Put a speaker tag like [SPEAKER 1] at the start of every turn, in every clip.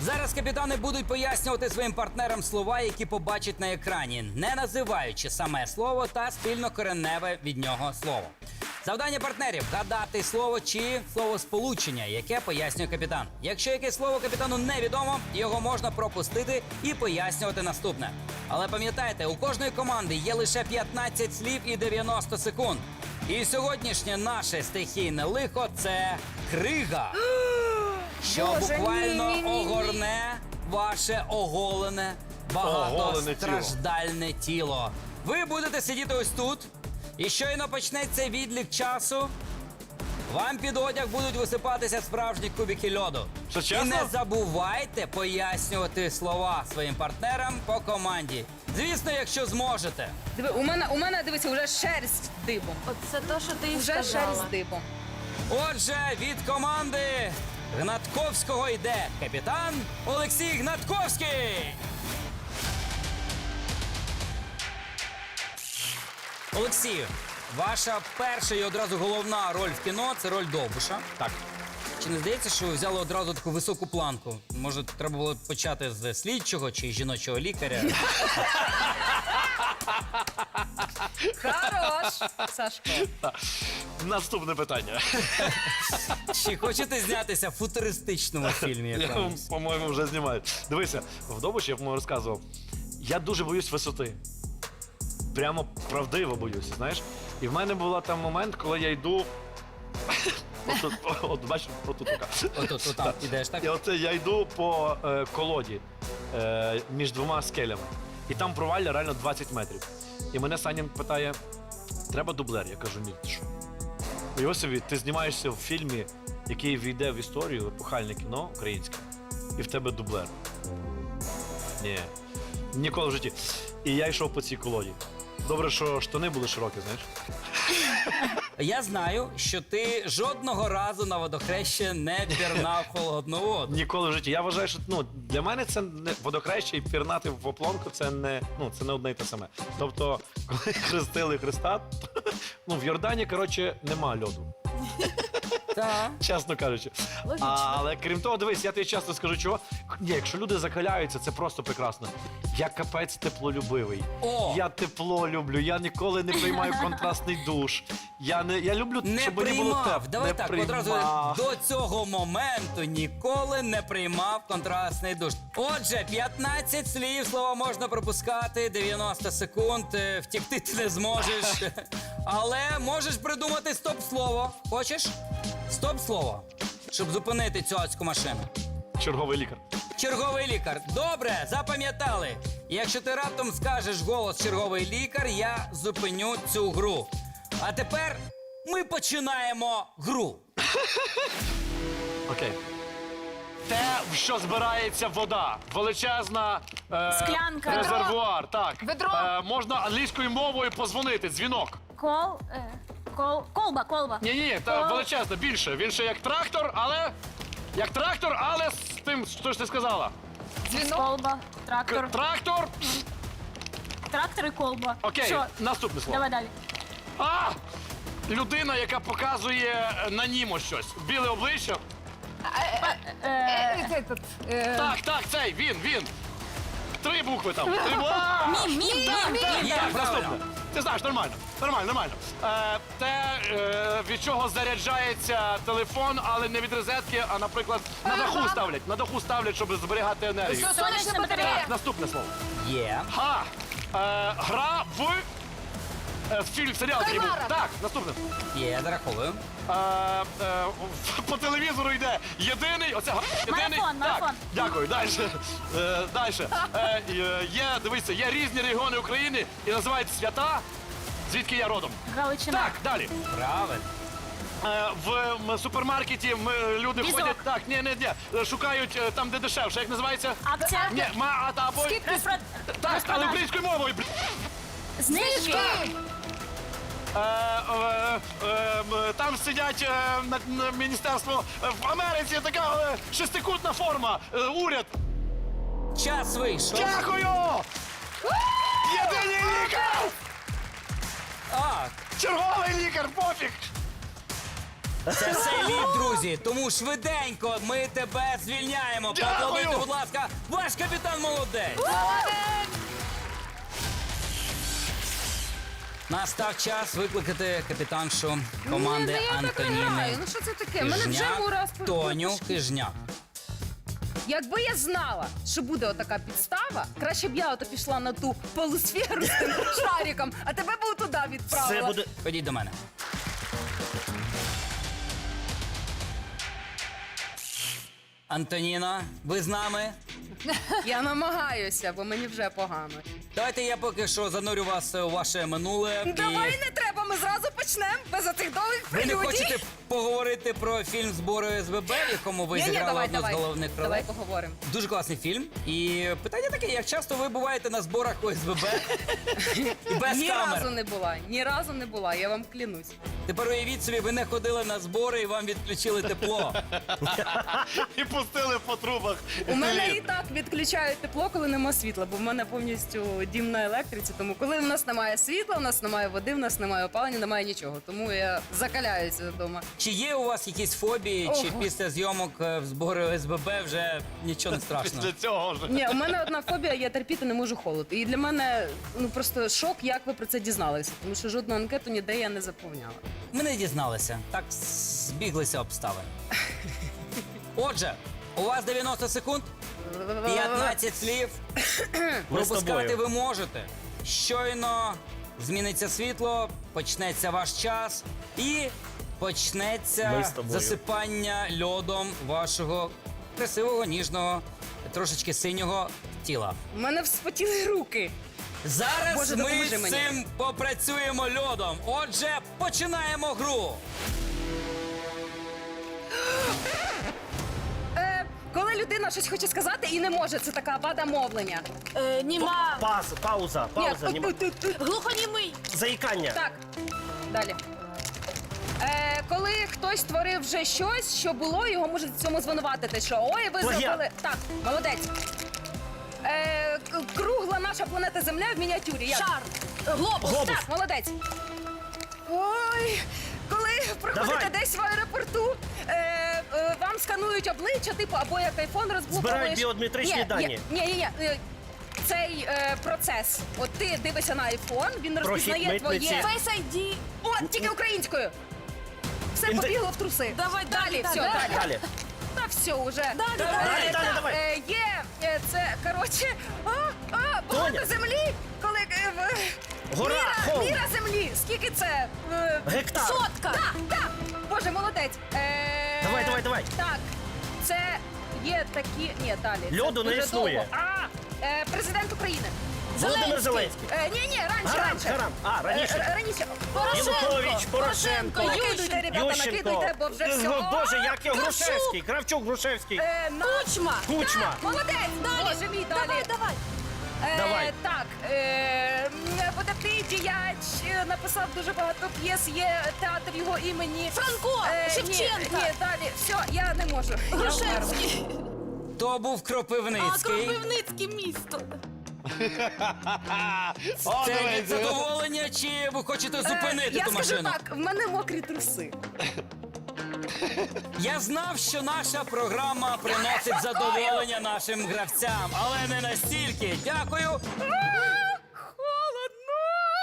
[SPEAKER 1] Зараз капітани будуть пояснювати своїм партнерам слова, які побачать на екрані, не називаючи саме слово та спільнокореневе від нього слово. Завдання партнерів – гадати слово чи словосполучення, яке пояснює капітан. Якщо якесь слово капітану невідомо, його можна пропустити і пояснювати наступне. Але пам'ятайте, у кожної команди є лише 15 слів і 90 секунд. І сьогоднішнє наше стихійне лихо – це крига, що
[SPEAKER 2] Боже,
[SPEAKER 1] буквально
[SPEAKER 2] ні.
[SPEAKER 1] огорне ваше оголене, багатостраждальне тіло. Ви будете сидіти ось тут, і щойно почнеться відлік часу, вам під одяг будуть висипатися справжні кубики льоду.
[SPEAKER 3] Що,
[SPEAKER 1] І
[SPEAKER 3] чесно?
[SPEAKER 1] не забувайте пояснювати слова своїм партнерам по команді. Звісно, якщо зможете.
[SPEAKER 2] Диви, у мене, дивися, вже шерсть дибом.
[SPEAKER 4] Оце те, що ти і
[SPEAKER 2] Вже
[SPEAKER 4] сказала.
[SPEAKER 2] шерсть дибом.
[SPEAKER 1] Отже, від команди Гнатковського йде капітан Олексій Гнатковський. Олексію, ваша перша і одразу головна роль в кіно – це роль Довбуша.
[SPEAKER 3] Так.
[SPEAKER 1] Чи не здається, що ви взяли одразу таку високу планку? Може, треба було почати з слідчого чи жіночого лікаря?
[SPEAKER 2] Хорош, Сашко.
[SPEAKER 3] Наступне питання.
[SPEAKER 1] Чи хочете знятися в футуристичному фільмі
[SPEAKER 3] Я,
[SPEAKER 1] якомусь?
[SPEAKER 3] по-моєму, вже знімаю. Дивися, в Довбуші, я по-моєму розказував, я дуже боюсь висоти. Прямо правдиво боюся, знаєш? І в мене був там момент, коли я йду. От бачиш, отут така.
[SPEAKER 1] Отам ідеш, так?
[SPEAKER 3] І оце я йду по колоді між двома скелями. І там провалля реально 20 метрів. І мене Санін питає: треба дублер? Я кажу, ні, ти що? Уяви собі, ти знімаєшся в фільмі, який війде в історію, епохальне кіно українське, і в тебе дублер. Ні, ніколи в житті. І я йшов по цій колоді. Добре, що штани були широкі, знаєш?
[SPEAKER 1] Я знаю, що ти жодного разу на водохреще не пірнав холодну воду.
[SPEAKER 3] Ніколи в житті. Я вважаю, що для мене це не водохреще і пірнати в оплонку це не одне й те саме. Тобто, коли хрестили Христа, в Йордані, коротше, нема льоду.
[SPEAKER 1] Так.
[SPEAKER 3] Чесно кажучи. Але крім того, дивись, я тобі часто скажу, чого. Ні, якщо люди закаляються, це просто прекрасно. Я капець теплолюбивий.
[SPEAKER 1] О!
[SPEAKER 3] Я тепло люблю, я ніколи не приймаю контрастний душ. Я люблю,
[SPEAKER 1] Не
[SPEAKER 3] щоб мені було тепло.
[SPEAKER 1] приймав. Давай
[SPEAKER 3] Не
[SPEAKER 1] так,
[SPEAKER 3] приймав.
[SPEAKER 1] одразу до цього моменту ніколи не приймав контрастний душ. Отже, 15 слів, слова можна пропускати, 90 секунд, втікти ти не зможеш. Але можеш придумати стоп-слово. Хочеш? Стоп-слово, щоб зупинити цю адську машину.
[SPEAKER 3] Черговий лікар.
[SPEAKER 1] Черговий лікар. Добре, запам'ятали. Якщо ти раптом скажеш голос черговий лікар, я зупиню цю гру. А тепер ми починаємо гру.
[SPEAKER 3] Окей. Те, в що збирається вода. Величезна
[SPEAKER 4] Склянка.
[SPEAKER 3] резервуар. Так.
[SPEAKER 4] Ведро.
[SPEAKER 3] Можна англійською мовою позвонити. Дзвінок.
[SPEAKER 4] Колба.
[SPEAKER 3] Ні, та величезна, більше. Він ще як трактор, але з тим, що ж ти сказала.
[SPEAKER 4] Колба. Трактор.
[SPEAKER 3] Трактор.
[SPEAKER 4] Трактор і колба.
[SPEAKER 3] Окей,
[SPEAKER 4] Що?
[SPEAKER 3] наступне слово.
[SPEAKER 4] Давай далі.
[SPEAKER 3] Людина, яка показує на німо щось. Біле обличчя. Так, цей, він. 3 букви там.
[SPEAKER 4] Мім.
[SPEAKER 3] Так, наступне. Ти знаєш, нормально. Те, від чого заряджається телефон, але не від розетки, а, наприклад, на даху ставлять, щоб зберігати енергію.
[SPEAKER 4] Сонячна батарея.
[SPEAKER 3] Так, наступне слово.
[SPEAKER 1] Є.
[SPEAKER 3] Гра в фільм, серіал. такий був. Так, наступне.
[SPEAKER 1] Є, зараховую.
[SPEAKER 3] По телевізору йде єдиний, єдиний.
[SPEAKER 4] Марафон.
[SPEAKER 3] Так, дякую, далі. Дивіться, є різні регіони України і називають свята, звідки я родом.
[SPEAKER 4] Галичина.
[SPEAKER 3] Так, далі.
[SPEAKER 1] Правильно.
[SPEAKER 3] В супермаркеті люди
[SPEAKER 4] Візок.
[SPEAKER 3] ходять, так, ні, шукають там, де дешевше. Як називається?
[SPEAKER 4] Акція.
[SPEAKER 3] Ні, або... Так, але українською мовою.
[SPEAKER 4] Знижки.
[SPEAKER 3] Там сидять на міністерство в Америці, така шестикутна форма, уряд.
[SPEAKER 1] Час вийшов.
[SPEAKER 3] Дякую! Єдиний лікар!
[SPEAKER 1] Так.
[SPEAKER 3] Черговий лікар, пофіг!
[SPEAKER 1] Це все лід, друзі. Тому швиденько ми тебе звільняємо. Поаплодуйте, будь ласка, ваш капітан молодець. Настав час викликати капітаншу команди
[SPEAKER 2] я так не
[SPEAKER 1] Антоніни.
[SPEAKER 2] граю. Ну що це таке? Мене вже раз
[SPEAKER 1] Тоню Хижняк.
[SPEAKER 2] Якби я знала, що буде отака підстава, краще б я ото пішла на ту полусферу з тим шариком, а тебе б туди
[SPEAKER 5] Це
[SPEAKER 2] відправила.
[SPEAKER 5] буде.
[SPEAKER 1] Ходіть до мене. Антоніно, ви з нами?
[SPEAKER 2] Я намагаюся, бо мені вже погано.
[SPEAKER 1] Давайте я поки що занурю вас у ваше минуле.
[SPEAKER 2] Давай не треба, ми зразу почнемо без оцих довгих
[SPEAKER 1] Ви не
[SPEAKER 2] прелюдій.
[SPEAKER 1] хочете поговорити про фільм збору СББ, в якому ви
[SPEAKER 2] Ні-ні,
[SPEAKER 1] зіграли
[SPEAKER 2] давай,
[SPEAKER 1] одну
[SPEAKER 2] давай.
[SPEAKER 1] з головних ролей?
[SPEAKER 2] Давай поговоримо.
[SPEAKER 1] Дуже класний фільм. І питання таке, як часто ви буваєте на зборах ОСББ і без
[SPEAKER 2] Ні
[SPEAKER 1] камер?
[SPEAKER 2] разу не була, я вам клянусь.
[SPEAKER 1] Тепер уявіть собі, ви не ходили на збори і вам відключили тепло.
[SPEAKER 3] І пустили по трубах.
[SPEAKER 2] У мене і так відключають тепло, коли нема світла, бо в мене повністю дім на електриці. Тому коли в нас немає світла, в нас немає води, в нас немає опалення, немає нічого. Тому я закаляюся вдома.
[SPEAKER 1] Чи є у вас якісь фобії, чи
[SPEAKER 2] Ого.
[SPEAKER 1] після зйомок в зборі ОСББ вже нічого не страшно?
[SPEAKER 3] Після цього вже.
[SPEAKER 2] Ні, у мене одна фобія, я терпіти не можу холод. І для мене ну просто шок, як ви про це дізналися. Тому що жодну анкету ніде я не заповняла.
[SPEAKER 1] Ми не дізналися. Так збіглися обставини. Отже, у вас 90 секунд, 15 слів.
[SPEAKER 5] Ми з
[SPEAKER 1] Пропускати
[SPEAKER 5] тобою.
[SPEAKER 1] ви можете. Щойно зміниться світло, почнеться ваш час і
[SPEAKER 5] Ми
[SPEAKER 1] почнеться
[SPEAKER 5] з тобою.
[SPEAKER 1] засипання льодом вашого красивого, ніжного, трошечки синього тіла.
[SPEAKER 2] У мене вспотіли руки.
[SPEAKER 1] Зараз
[SPEAKER 2] Боже,
[SPEAKER 1] ми
[SPEAKER 2] допоможи
[SPEAKER 1] з
[SPEAKER 2] мені.
[SPEAKER 1] цим попрацюємо льодом. Отже, починаємо гру.
[SPEAKER 2] Коли людина щось хоче сказати і не може, це така вада мовлення.
[SPEAKER 4] Німа.
[SPEAKER 5] Пауза.
[SPEAKER 2] Ні,
[SPEAKER 4] Глухонімий.
[SPEAKER 5] Заїкання.
[SPEAKER 2] Так, далі. Коли хтось творив вже щось, що було, його можуть в цьому звинуватити, що ой, ви
[SPEAKER 5] Плагіат.
[SPEAKER 2] зробили. Так, молодець. Кругла наша планета Земля в мініатюрі. Як?
[SPEAKER 4] Шар. Глобус.
[SPEAKER 5] Глобус.
[SPEAKER 2] Так, молодець. Ой, коли проходите
[SPEAKER 5] Давай.
[SPEAKER 2] десь в аеропорту, вам сканують обличчя, типу, або як айфон розблоковуєш.
[SPEAKER 5] Збирають біометричні дані.
[SPEAKER 2] Ні. Цей процес. От ти дивишся на айфон, він
[SPEAKER 5] Прохід
[SPEAKER 2] розпізнає
[SPEAKER 5] митниці.
[SPEAKER 2] твоє.
[SPEAKER 4] Face ID.
[SPEAKER 2] О, тільки українською. Все побігло в труси.
[SPEAKER 4] Давай,
[SPEAKER 2] далі, все,
[SPEAKER 4] далі.
[SPEAKER 2] далі.
[SPEAKER 5] Далі.
[SPEAKER 2] Та все уже.
[SPEAKER 4] Далі.
[SPEAKER 5] Давай.
[SPEAKER 2] Є, це, коротше, багато
[SPEAKER 5] Тоня.
[SPEAKER 2] землі, коли
[SPEAKER 5] Гора, холм.
[SPEAKER 2] міра землі. Скільки це?
[SPEAKER 5] Гектар.
[SPEAKER 4] Сотка.
[SPEAKER 2] Так. Боже, молодець.
[SPEAKER 5] Давай.
[SPEAKER 2] Так, це є такі. Ні, далі. це
[SPEAKER 5] Льоду не
[SPEAKER 2] дуже
[SPEAKER 5] існує.
[SPEAKER 2] довго. Президент України.
[SPEAKER 5] Володимир Зеленський.
[SPEAKER 2] Ні,
[SPEAKER 5] Гарам. Раніше.
[SPEAKER 2] Раніше.
[SPEAKER 5] Янукович, Порошенко.
[SPEAKER 2] Накидуйте, ребята,
[SPEAKER 5] Ющенко.
[SPEAKER 2] накидуйте, бо вже все.
[SPEAKER 5] Боже, як його
[SPEAKER 2] Кравчук.
[SPEAKER 5] Грушевський. Кравчук, Грушевський.
[SPEAKER 4] Кучма.
[SPEAKER 5] Кучма.
[SPEAKER 2] Молодець.
[SPEAKER 4] Далі.
[SPEAKER 2] Боже мій, далі.
[SPEAKER 4] Давай.
[SPEAKER 5] Давай.
[SPEAKER 2] Так, видатний діяч, написав дуже багато п'єс, є театр його імені.
[SPEAKER 4] Франко. Шевченка.
[SPEAKER 2] Ні, далі, все, я не можу. Я вмерла.
[SPEAKER 4] Грушевський.
[SPEAKER 1] То був
[SPEAKER 4] А
[SPEAKER 1] Кропивницький.
[SPEAKER 4] Кропивницьке місто.
[SPEAKER 1] Це від задоволення, чи ви хочете зупинити
[SPEAKER 2] Я
[SPEAKER 1] ту
[SPEAKER 2] скажу
[SPEAKER 1] машину?
[SPEAKER 2] так, в мене мокрі труси.
[SPEAKER 1] Я знав, що наша програма приносить задоволення нашим гравцям, але не настільки. Дякую.
[SPEAKER 2] Холодно.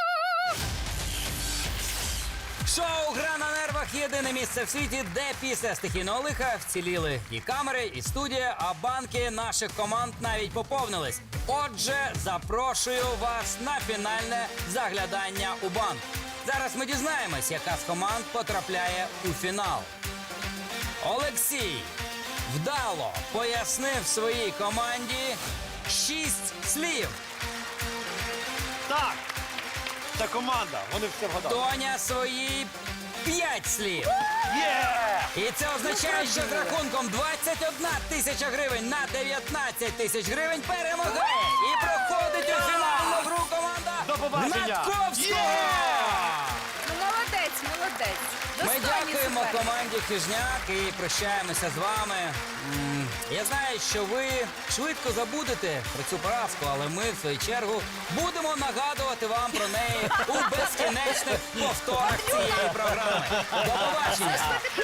[SPEAKER 1] Шоу «Гра на нервах» – єдине місце в світі, де після стихійного лиха вціліли і камери, і студія, а банки наших команд навіть поповнились. Отже, запрошую вас на фінальне заглядання у банк. Зараз ми дізнаємось, яка з команд потрапляє у фінал. Олексій вдало пояснив своїй команді 6 слів.
[SPEAKER 3] Так. Це команда. Вони все вгадали.
[SPEAKER 1] Тоня свої 5 слів.
[SPEAKER 3] Є!
[SPEAKER 1] І це означає, що з рахунком 21 тисяча гривень на 19 тисяч гривень перемагає і проходить у фінальну гру команда
[SPEAKER 3] До побачення!
[SPEAKER 1] Гнатковського!
[SPEAKER 2] Ну, молодець.
[SPEAKER 1] Ми
[SPEAKER 2] Достойний
[SPEAKER 1] дякуємо
[SPEAKER 2] суперник.
[SPEAKER 1] команді Хижняк і прощаємося з вами. Я знаю, що ви швидко забудете про цю поразку, але ми, в свою чергу, будемо нагадувати вам про неї у безкінечних повторах цієї програми. До побачення!